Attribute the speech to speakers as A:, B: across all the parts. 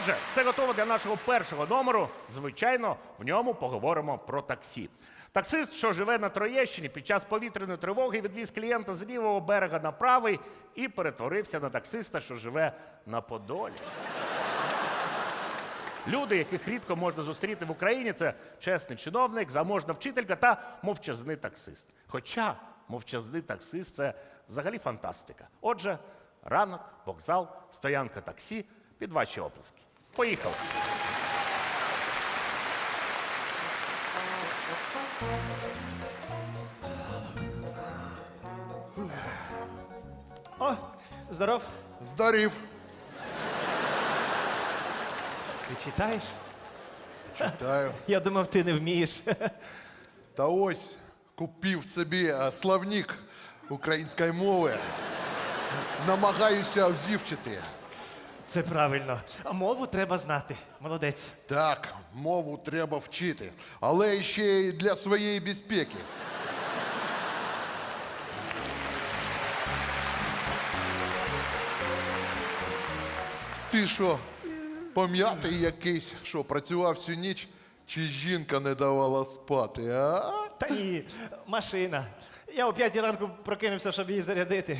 A: Отже, все готово для нашого першого номеру. Звичайно, в ньому поговоримо про таксі. Таксист, що живе на Троєщині, під час повітряної тривоги відвіз клієнта з лівого берега на правий і перетворився на таксиста, що живе на Подолі. Люди, яких рідко можна зустріти в Україні, це чесний чиновник, заможна вчителька та мовчазний таксист. Хоча мовчазний таксист – це взагалі фантастика. Отже, ранок, вокзал, стоянка таксі під ваші оплески. Поїхали!
B: О, здоров.
C: Здарів.
B: Ти читаєш?
C: Читаю.
B: Я думав, ти не вмієш.
C: Та ось купив собі словник української мови. Намагаюся вивчити.
B: Це правильно. А мову треба знати. Молодець.
C: Так, мову треба вчити, але ще й для своєї безпеки. Ти що, пом'ятий якийсь, що працював всю ніч, чи жінка не давала спати, а?
B: Та ні, машина. Я о 5 ранку прокинувся, щоб її зарядити.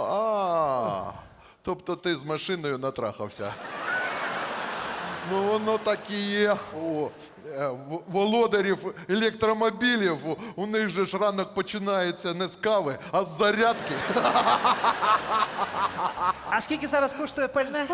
C: Тобто ти з машиною натрахався. Ну, воно так і є. Володарів електромобілів, у них же ж ранок починається не з кави, а з зарядки.
B: А скільки зараз коштує пальне?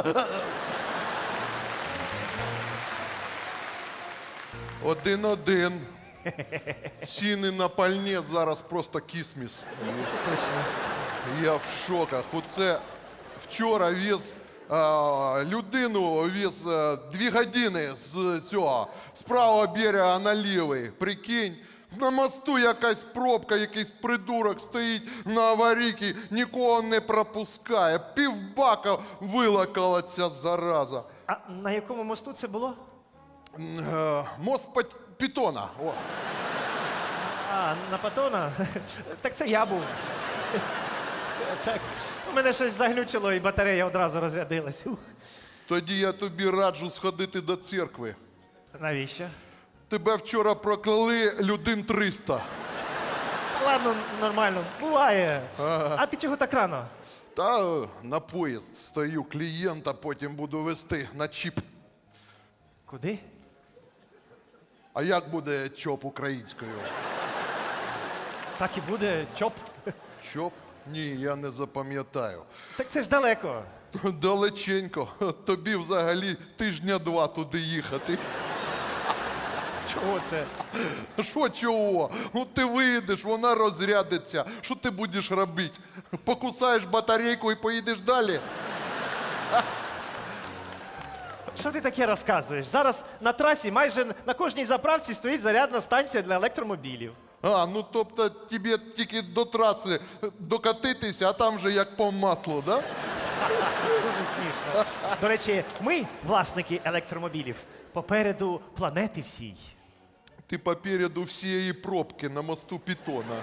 C: Один. Ціни на пальне зараз просто кісміс.
B: Це точно.
C: Я в шоках. Оце вчора віз людину, віз 2 години з цього, з правого берега на лівий. Прикинь, на мосту якась пробка, якийсь придурок стоїть на аварійці, нікого не пропускає. Півбака вилакала ця зараза.
B: А на якому мосту це було?
C: Мост Пітона. О.
B: А, на Патона? Так це я був. Так, у мене щось заглючило і батарея одразу розрядилась. Ух.
C: Тоді я тобі раджу сходити до церкви.
B: Навіщо?
C: Тебе вчора прокляли людей 300.
B: Ладно, нормально, буває. А ти чого так рано?
C: Та на поїзд стою клієнта, потім буду везти на чіп.
B: Куди?
C: А як буде чоп українською?
B: Так і буде чоп.
C: Чоп? Ні, я не запам'ятаю.
B: Так це ж далеко.
C: Далеченько. Тобі взагалі 2 тижні туди їхати.
B: Чого це?
C: Що чого? Ну ти вийдеш, вона розрядиться. Що ти будеш робити? Покусаєш батарейку і поїдеш далі?
B: Що ти таке розказуєш? Зараз на трасі майже на кожній заправці стоїть зарядна станція для електромобілів.
C: Ну тобто тобі тільки до траси докатитися, а там вже як по маслу, да?
B: Дуже смішно. До речі, ми, власники електромобілів, попереду планети всій.
C: Ти попереду всієї пробки на мосту Пітона.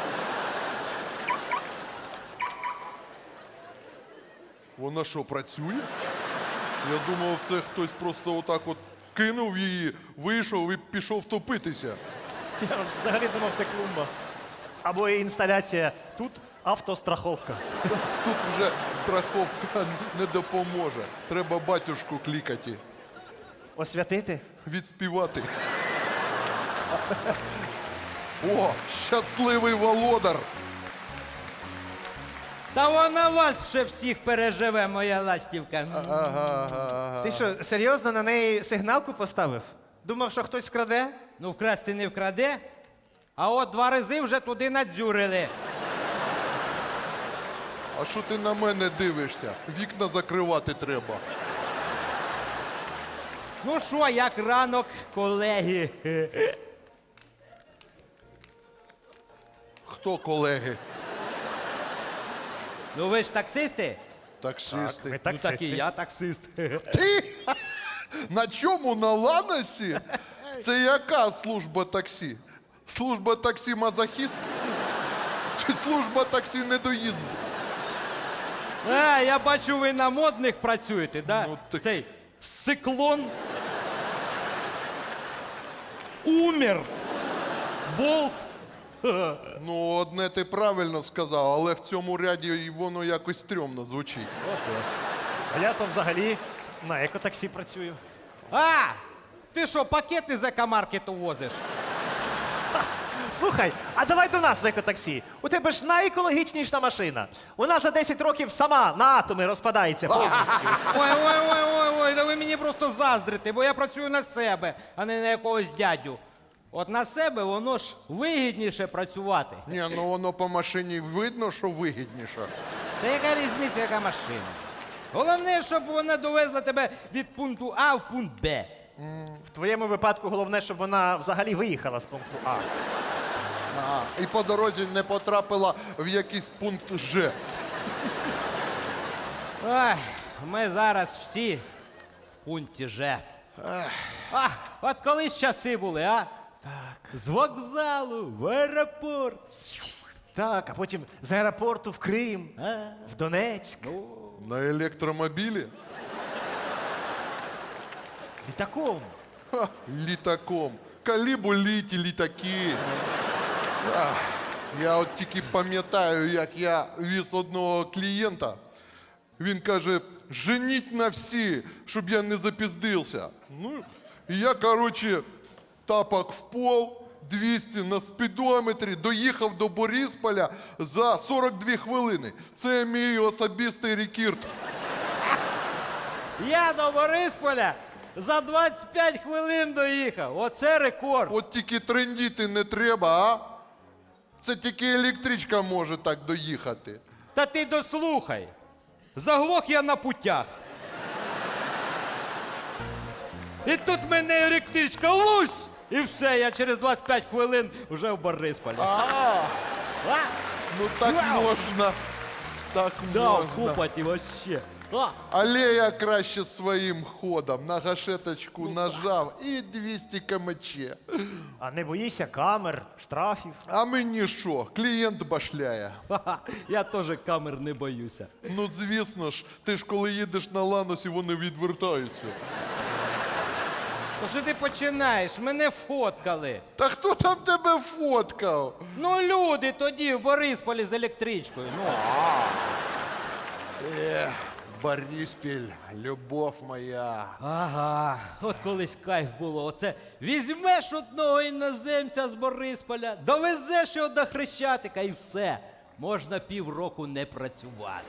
C: Вона що, працює? Я думав, це хтось просто отак от кинув її, вийшов і пішов топитися.
B: Я взагалі думав, це клумба. Або інсталяція «Тут автостраховка».
C: Тут вже страховка не допоможе. Треба батюшку клікати,
B: Освятити?
C: відспівати. О, щасливий володар!
D: Та вона вас ще всіх переживе, моя ластівка.
B: Ти що, серйозно на неї сигналку поставив? Думав, що хтось вкраде?
D: Ну, вкрасти не вкраде, а от 2 рази вже туди надзюрили.
C: А що ти на мене дивишся? Вікна закривати треба.
D: Ну що, як ранок, колеги?
C: Хто колеги?
D: Ну ви ж таксисти?
C: Таксисти.
D: Ну так і я таксист.
C: Ти? На чому? На Ланосі? Це яка служба таксі? Служба таксі мазохіст? Чи служба таксі недоїзд?
D: Я бачу, ви на модних працюєте, да?
C: Ну, так-
D: Цей циклон, умер, болт.
C: Ну, одне ти правильно сказав, але в цьому ряді і воно якось стрьомно звучить.
B: А я то взагалі на екотаксі працюю.
D: А! Ти що, пакети з екомаркету возиш?
B: Слухай, а давай до нас в екотаксі. У тебе ж найекологічніша машина. Вона за 10 років сама на атоми розпадається повністю.
D: Ой, да ви мені просто заздрите, бо я працюю на себе, а не на якогось дядю. От на себе воно ж вигідніше працювати.
C: Ні, ну воно по машині видно, що вигідніше.
D: Та яка різниця, яка машина? Головне, щоб вона довезла тебе від пункту А в пункт Б.
B: В твоєму випадку головне, щоб вона взагалі виїхала з пункту А.
C: Ага. І по дорозі не потрапила в якийсь пункт Ж.
D: Ой, ми зараз всі в пункті Ж. А, от колись часи були, а? Так. З вокзалу в аеропорт.
B: Так, а потім з аеропорту в Крим, в Донецьк.
C: На електромобілі?
B: Літаком.
C: Ха, літаком. Калібу літі літаки. Ах, я от тільки пам'ятаю, як я віз одного клієнта. Він каже, женіть на всі, щоб я не запіздився. Ну, і я, коротше, тапок в пол, 200 на спідометрі, доїхав до Борисполя за 42 хвилини. Це мій особистий рекорд.
D: Я до Борисполя за 25 хвилин доїхав. Оце рекорд.
C: От тільки трендіти не треба, а? Це тільки електричка може так доїхати.
D: Та ти дослухай. Заглох я на путях. І тут мене електричка лусь! І все, я через 25 хвилин вже в Борисполі. А?
C: Ну так можна. Так
D: Да,
C: можна.
D: купати вообще. А,
C: Але я краще своїм ходом на гашеточку нажав і 200 кмч.
B: А не боїшся камер, штрафів.
C: А мені що? Клієнт башляє.
D: ха-ха, я теж камер не боюся.
C: Ну звісно ж, ти ж коли їдеш на ланосі, вони відвертаються.
D: То що ти починаєш? Мене фоткали.
C: Та хто там тебе фоткав?
D: Ну, люди тоді в Борисполі з електричкою. Ну.
C: Бориспіль, любов моя.
D: Ага, от колись кайф було. Оце візьмеш одного іноземця з Борисполя, довезеш його до Хрещатика і все. Можна півроку не працювати.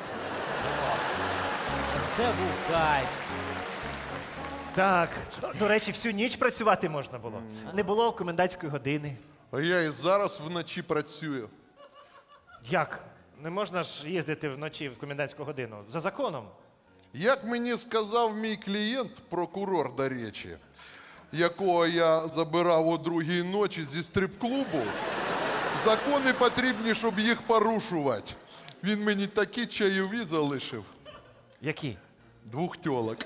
D: Це був кайф.
B: Так, до речі, всю ніч працювати можна було. Не було комендантської години.
C: А я і зараз вночі працюю.
B: Як? Не можна ж їздити вночі в комендантську годину. За законом.
C: Як мені сказав мій клієнт, прокурор, до речі, якого я забирав о 2-й ночі зі стрип-клубу, закони потрібні, щоб їх порушувати. Він мені такі чайові залишив.
B: Які?
C: 2 тьолок.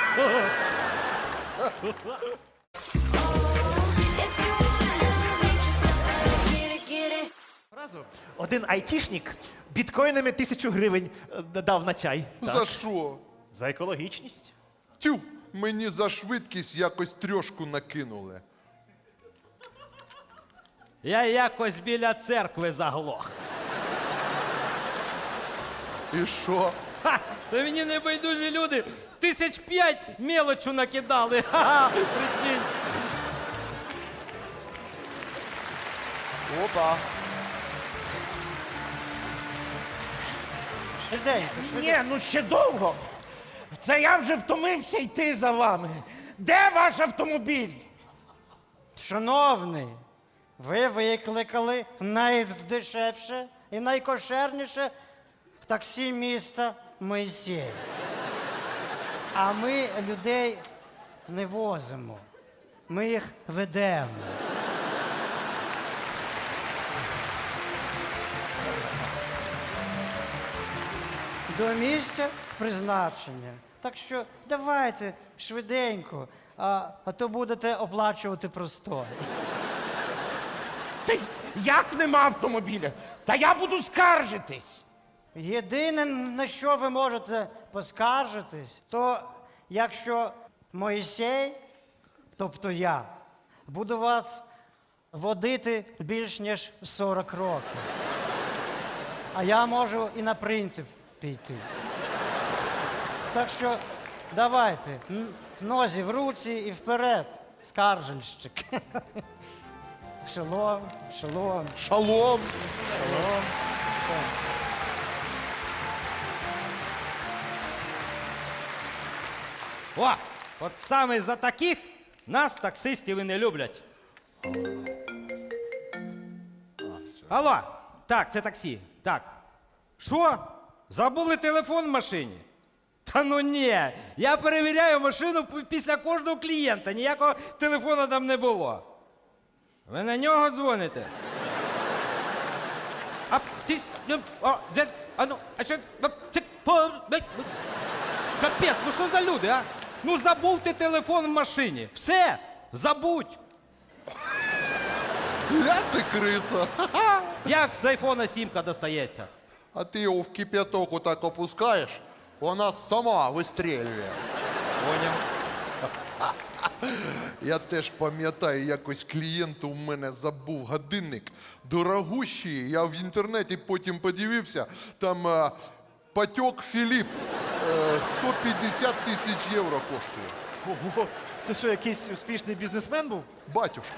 B: Разу один айтішник біткоїнами 1000 гривень дав на чай.
C: За що?
B: За екологічність.
C: Тю, мені за швидкість якось трьошку накинули.
D: Я якось біля церкви заглох.
C: І що?
D: Ха! То мені небайдужі люди 1005 мелочу накидали. Ха-ха! Прикинь.
C: Опа.
E: Ні, ну ще довго. Це я вже втомився йти за вами. Де ваш автомобіль?
F: Шановний, ви викликали найдешевше і найкошерніше таксі міста Моїсей. А ми людей не возимо. Ми їх ведемо. До місця призначення. Так що давайте швиденько, а то будете оплачувати простой.
E: Та як нема автомобіля? Та я буду скаржитись.
F: Єдине, на що ви можете поскаржитись, то якщо Моїсей, тобто я, буду вас водити більш ніж 40 років. А я можу і на принцип піти. Так що давайте, нозі в руці і вперед, скаржельщик. Шалом, шалом.
C: Шалом!
D: О, от саме за таких нас таксистів і не люблять. Алло, так, це таксі. Так. Що? Забули телефон в машині? Та ну ні, я перевіряю машину після кожного клієнта, ніякого телефону там не було. Ви на нього дзвоните? А ти... Капець, ну що за люди, а? Ну забув ти телефон в машині. Все, забудь.
C: Я ти криса.
D: Як з айфона сімка достається?
C: А ти його в кип'яток отак опускаєш, вона сама вистрілює.
D: Поняв.
C: Я теж пам'ятаю, якось клієнт у мене забув годинник. Дорогущий. Я в інтернеті потім подивився, там Патьок Філіп 150 тисяч євро коштує.
B: Ого, це що, якийсь успішний бізнесмен був?
C: Батюшка.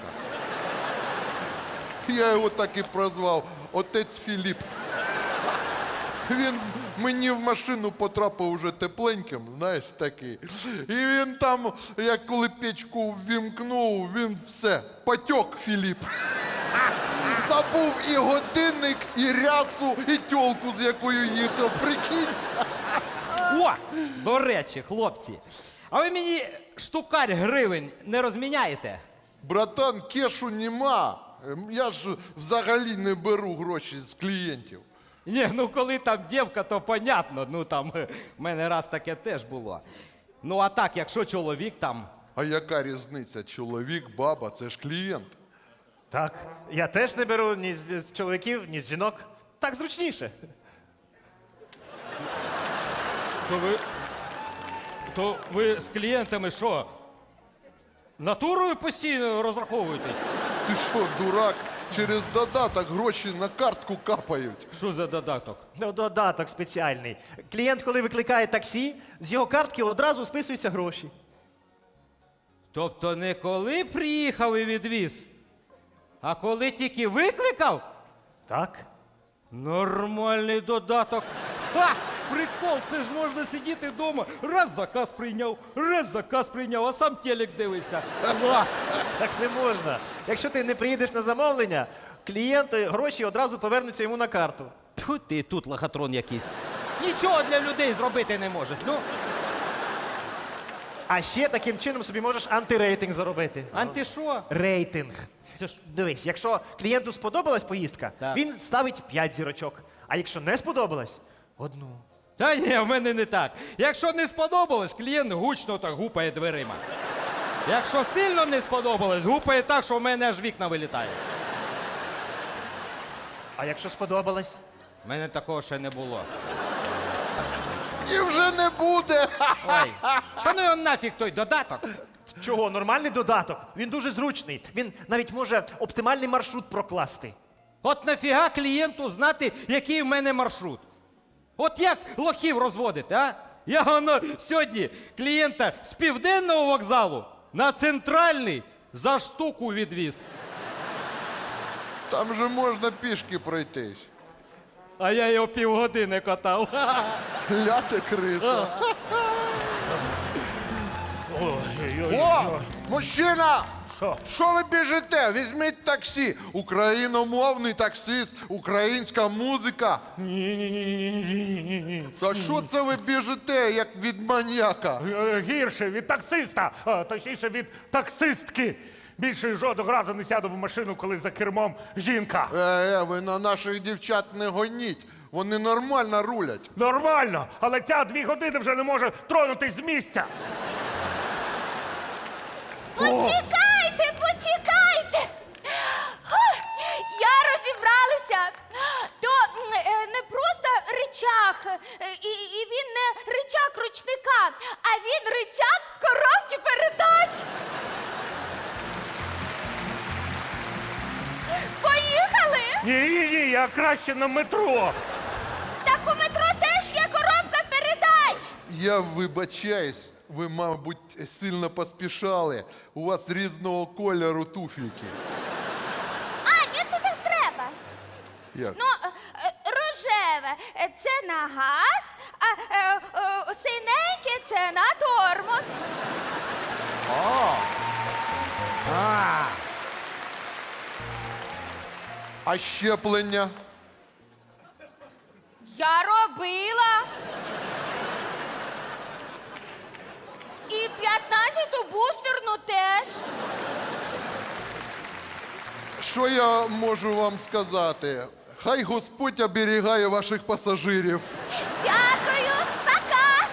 C: Я його так і прозвав отець Філіп. Він мені в машину потрапив уже тепленьким, знаєш, такий. І він там, як коли печку ввімкнув, він все, Патьок Філіп. Забув і годинник, і рясу, і тьолку, з якою їхав, прикинь.
D: О, до речі, хлопці, а ви мені штукарь гривень не розміняєте?
C: Братан, кешу нема. Я ж взагалі не беру гроші з клієнтів.
D: Ні, ну коли там дівка, то понятно. Ну там в мене раз таке теж було. Ну а так, якщо чоловік там.
C: А яка різниця? Чоловік, баба, це ж клієнт.
B: Так. Я теж не беру ні з чоловіків, ні з жінок. Так зручніше.
D: То ви з клієнтами що? Натурою постійно розраховуєте?
C: Ти що, дурак? Через додаток гроші на картку капають.
D: Що за додаток?
B: Ну, додаток спеціальний. Клієнт, коли викликає таксі, з його картки одразу списуються гроші.
D: Тобто не коли приїхав і відвіз, а коли тільки викликав?
B: Так.
D: Нормальний додаток. Ха! Прикол, це ж можна сидіти вдома, раз заказ прийняв, а сам телек дивишся. Клас!
B: Так не можна. Якщо ти не приїдеш на замовлення, клієнти гроші одразу повернуться йому на карту.
D: Тьфу ти тут лохотрон якийсь. Нічого для людей зробити не можеш. Ну,
B: А ще таким чином собі можеш антирейтинг заробити.
D: анти що?
B: Рейтинг.
D: Це ж
B: Дивись, якщо клієнту сподобалась поїздка,
D: Так.
B: він ставить 5 зірочок. А якщо не сподобалась, одну.
D: Та ні, в мене не так. Якщо не сподобалось, клієнт гучно так гупає дверима. Якщо сильно не сподобалось, гупає так, що в мене аж вікна вилітають.
B: А якщо сподобалась?
D: В мене такого ще не було.
C: І вже не буде.
D: Ой. Та ну його нафіг той додаток.
B: Чого? Нормальний додаток. Він дуже зручний. Він навіть може оптимальний маршрут прокласти.
D: От нафіга клієнту знати, який в мене маршрут? От як лохів розводити, а? Я воно сьогодні клієнта з південного вокзалу на центральний за штуку відвіз.
C: Там же можна пішки пройтись.
D: А я його півгодини катав.
C: Ляте криса.
A: Ой-ой-ой.
C: О, мужчина!
A: Що?
C: Що ви біжите? Візьміть таксі. Україномовний таксист, українська музика.
A: Ні-ні-ні.
C: Та що це ви біжите, як від маньяка?
A: Гірше від таксиста, точніше від таксистки. Більше жодного разу не сяду в машину, коли за кермом жінка.
C: Ви на наших дівчат не гоніть. Вони нормально рулять.
A: Нормально, але ця 2 години вже не може тронутись з місця.
G: Почекайте, почекайте. Я розібралася. То не просто ричаг, і він не ричаг ручника, а він ричаг
A: Ні, я краще на метро.
G: Так у метро теж є коробка передач.
C: Я вибачаюсь, ви, мабуть, сильно поспішали. У вас різного кольору туфельки.
G: А, ні, це так треба.
C: Як?
G: Ну, рожеве це на газ, а синеньке це на тормоз.
C: А щеплення?
G: Я робила. І 15-ту бустерну теж.
C: Що я можу вам сказати? Хай Господь оберігає ваших пасажирів.
G: Дякую, пока.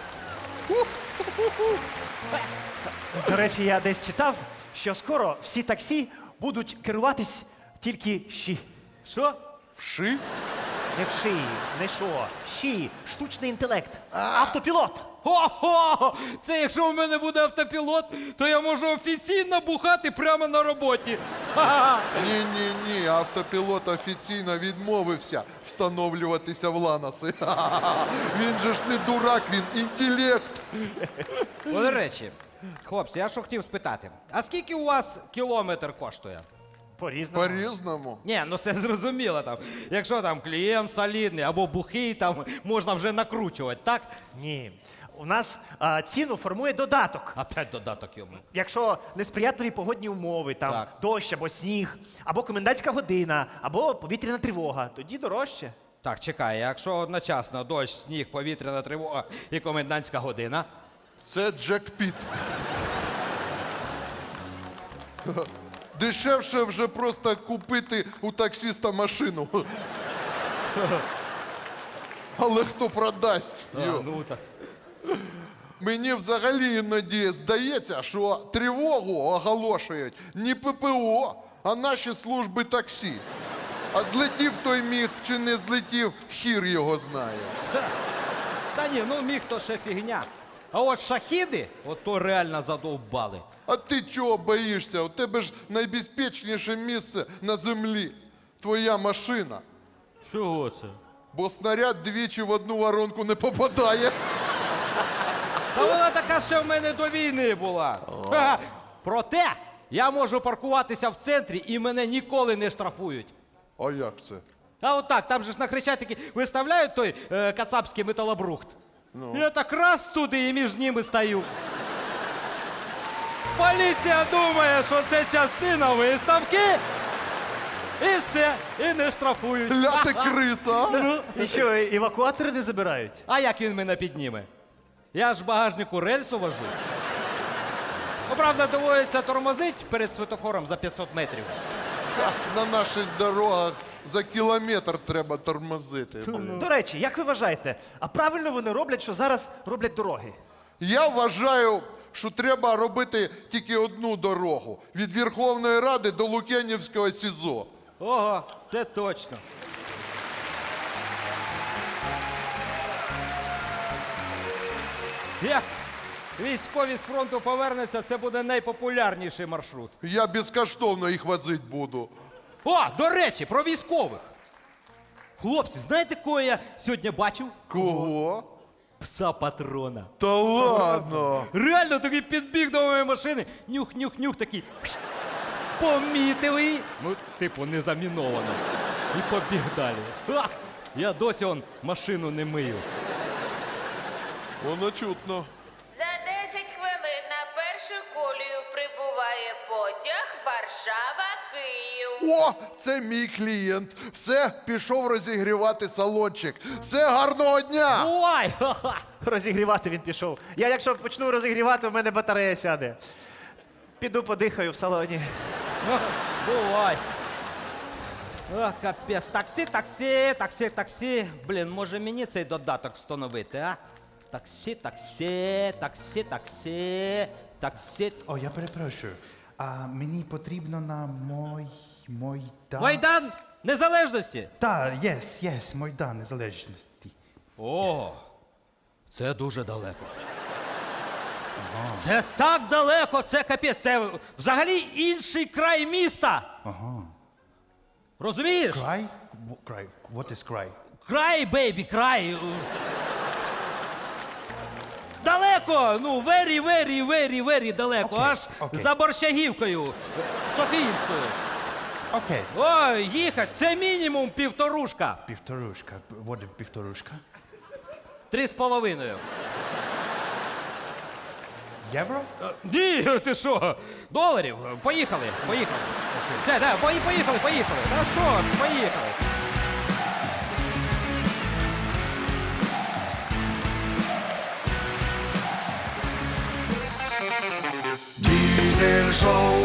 B: До речі, я десь читав, що скоро всі таксі будуть керуватись тільки щі.
D: Що?
C: Вши?
B: Не в шиї, не що. Щі, штучний інтелект, автопілот.
D: Ого! Це якщо у мене буде автопілот, то я можу офіційно бухати прямо на роботі. Ха-ха!
C: Ні, автопілот офіційно відмовився встановлюватися в Ланоси. Він же ж не дурак, він інтелект.
D: До речі, хлопці, я що хотів спитати, а скільки у вас кілометр коштує?
B: По-різному.
C: По-різному.
D: Ні, ну це зрозуміло там. Якщо там клієнт солідний або бухий, там можна вже накручувати, так?
B: Ні. У нас ціну формує додаток.
D: Опять додаток йому.
B: Якщо несприятливі погодні умови, там
D: Так.
B: дощ або сніг, або комендантська година, або повітряна тривога, тоді дорожче.
D: Так, чекай, якщо одночасно дощ, сніг, повітряна тривога і комендантська година.
C: Це Джек-Піт. Дешевше вже просто купити у таксиста машину. Але хто продасть? Йо.
D: Ну так.
C: Мені взагалі іноді здається, що тривогу оголошують не ППО, а наші служби таксі. А злетів той міг чи не злетів, хір його знає.
D: Та ні, ну міг то ще фігня. А от шахіди, от то реально задовбали.
C: А ти чого боїшся? У тебе ж найбезпечніше місце на землі. Твоя машина.
D: Чого це?
C: Бо снаряд двічі в одну воронку не попадає.
D: Та вона така ще в мене до війни була. Ха-ха. Проте я можу паркуватися в центрі і мене ніколи не штрафують.
C: А як це?
D: А от так, там же ж на Хрещатикі виставляють той кацапський металобрухт. Я так раз туди і між ними стою. Поліція думає, що це частина виставки. І все, і не штрафують.
C: Ля ти криса, а?
B: І що, евакуатори не забирають?
D: А як він мене підніме? Я ж в багажнику рельсу вожу. Ну, правда, доводиться тормозить перед світофором за 500 метрів.
C: Так, на наших дорогах за кілометр треба тормозити.
B: До речі, як ви вважаєте, а правильно вони роблять, що зараз роблять дороги?
C: Я вважаю, що треба робити тільки одну дорогу від Верховної Ради до Лук'янівського СІЗО.
D: Ого, це точно. Як військові з фронту повернуться, це буде найпопулярніший маршрут.
C: Я безкоштовно їх возити буду.
D: О, до речі, про військових. Хлопці, знаєте, кого я сьогодні бачив?
C: Кого?
D: Пса патрона.
C: Та ладно.
D: Реально такий підбіг до моєї машини, нюх-нюх-нюх такий. Помітив її. Ну, типу, не заміновано. І побіг далі. Ха! Я досі машину не мию.
C: Воно чутно.
H: За 10 хвилин на першу колію прибуває потяг Варшава-Київ.
C: О, це мій клієнт. Все, пішов розігрівати салончик. Все, гарного дня!
D: Ой! Ха-ха!
B: Розігрівати він пішов. Я якщо почну розігрівати, у мене батарея сяде. Піду подихаю в салоні.
D: Бувай. О, капець. Таксі, таксі, таксі, таксі. Блін, може мені цей додаток встановити, а? Таксі, таксі, таксі, таксі, таксі.
I: О, я перепрошую. А мені потрібно на Майдан.
D: Майдан Незалежності.
I: Так, yes, Майдан Незалежності.
D: О, це дуже далеко. Це так далеко, це капець. Це взагалі інший край міста.
I: Ага.
D: Розумієш?
I: Край? Край. What is край?
D: Край, бейбі, край. Далеко, ну, very далеко,
I: Окей,
D: аж
I: окей.
D: за Борщагівкою, Софіївською.
I: Окей.
D: Ой, їхать, це мінімум півторушка.
I: Півторушка. What is півторушка?
D: 3,5.
I: Євро?
D: Ні, ти що? Доларів. Поїхали. Все, да, поїхали. Та що, поїхали.
J: Diesel Show.